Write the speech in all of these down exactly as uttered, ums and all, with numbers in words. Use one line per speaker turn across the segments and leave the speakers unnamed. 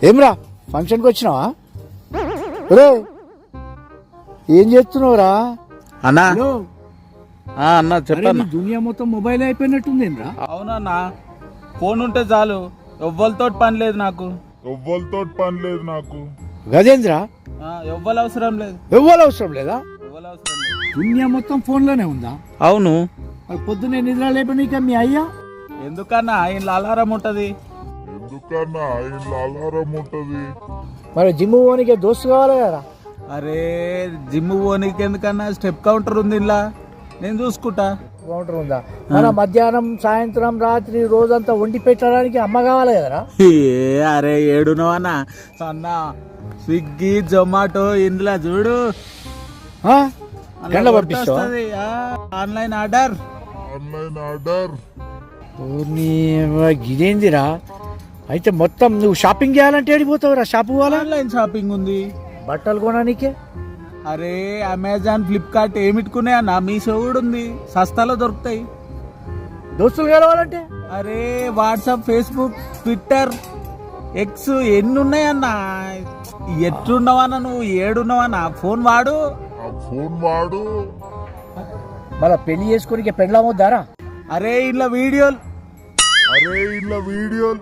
ఏమ్రా ఫంక్షన్కి వచ్చినావా? రే ఏం చేస్తున్నావురా?
అన్నా
హలో,
ఆ, అన్నా
అరే,
చెప్పన్నా.
నీ దునియా మొత్తం మొబైల్ అయిపోయినట్టుందేంరా?
అవునన్నా, ఫోన్ ఉంటే చాలు, ఎవ్వరితో పని లేదు నాకు.
ఎవ్వరితో పని లేదు నాకు.
గజేంద్ర
ఆ, ఎవ్వరు అవసరం లేదు,
ఎవ్వరు అవసరం లేదా?
ఎవ్వరు అవసరం లేదు.
దునియా మొత్తం ఫోన్లోనే ఉందా?
అవును,
మరి పొద్దున్నే నిద్ర లేపనీక మీ అయ్యా
ఎందుకన్నా ఇంట్లో అలారం ఉంటది.
ఎందుకన్నా ఇంట్లో అలారం ఉంటది.
మరి జిమ్ పోనీకే దోస్తు కావాలి కదా?
అరే జిమ్ పోనీకి ఎందుకన్నా, స్టెప్ కౌంటర్ ఉంది ఇలా, నేను చూసుకుంటా.
కౌంటర్ ఉందా? మన మధ్యాహ్నం సాయంత్రం రాత్రి రోజంతా వండి పెట్టడానికి అమ్మ కావాలి కదరా?
ఏ అరే ఏడునవన్నా అన్న, స్విగ్గీ జొమాటో ఇందులో చూడు,
ఆ?
అందులో
గండ్ల
కొడితే
పంపిస్తావా?
వస్తది. ఆ, ఆన్లైన్ ఆర్డర్.
Online order.
ఓర్ని ఇదేందిరా? అయితే మొత్తం నువ్వు షాపింగ్ చేయాలంటే ఏడిపోతావురా? షాపు పోవాలా?
ఆన్లైన్ షాపింగ్ ఉంది.
బట్టలు కొనడానికే?
అరే అమెజాన్ ఫ్లిప్కార్ట్ ఏమిట్టుకున్నాయి అన్న, మీషో కూడా ఉంది, సస్తాలో దొరుకుతాయి.
దోస్తులు కలవాలంటే
అరే వాట్సాప్, ఫేస్బుక్, ట్విట్టర్, ఎక్స్ ఎన్ని ఉన్నాయన్న. ఎట్లున్నావన్నా నువ్వు, ఏడున్నావన్నా, ఫోన్ వాడు.
ఆ ఫోన్ వాడు.
మళ్ళా పెళ్లి చేసుకుని పెళ్ళమవుతారా?
అరే ఇలా వీడియోలు.
అరే ఇలా వీడియోలు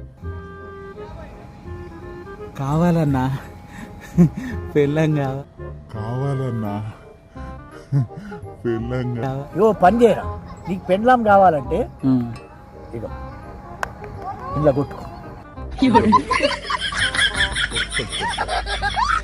కావాలన్నా, పెళ్ళం కావాలి.
కావాలన్నా. పెళ్ళంగా.
ఇగో పని చేయరా, నీకు పెండ్లాం కావాలంటే ఇగో ఇలా కొట్టుకో.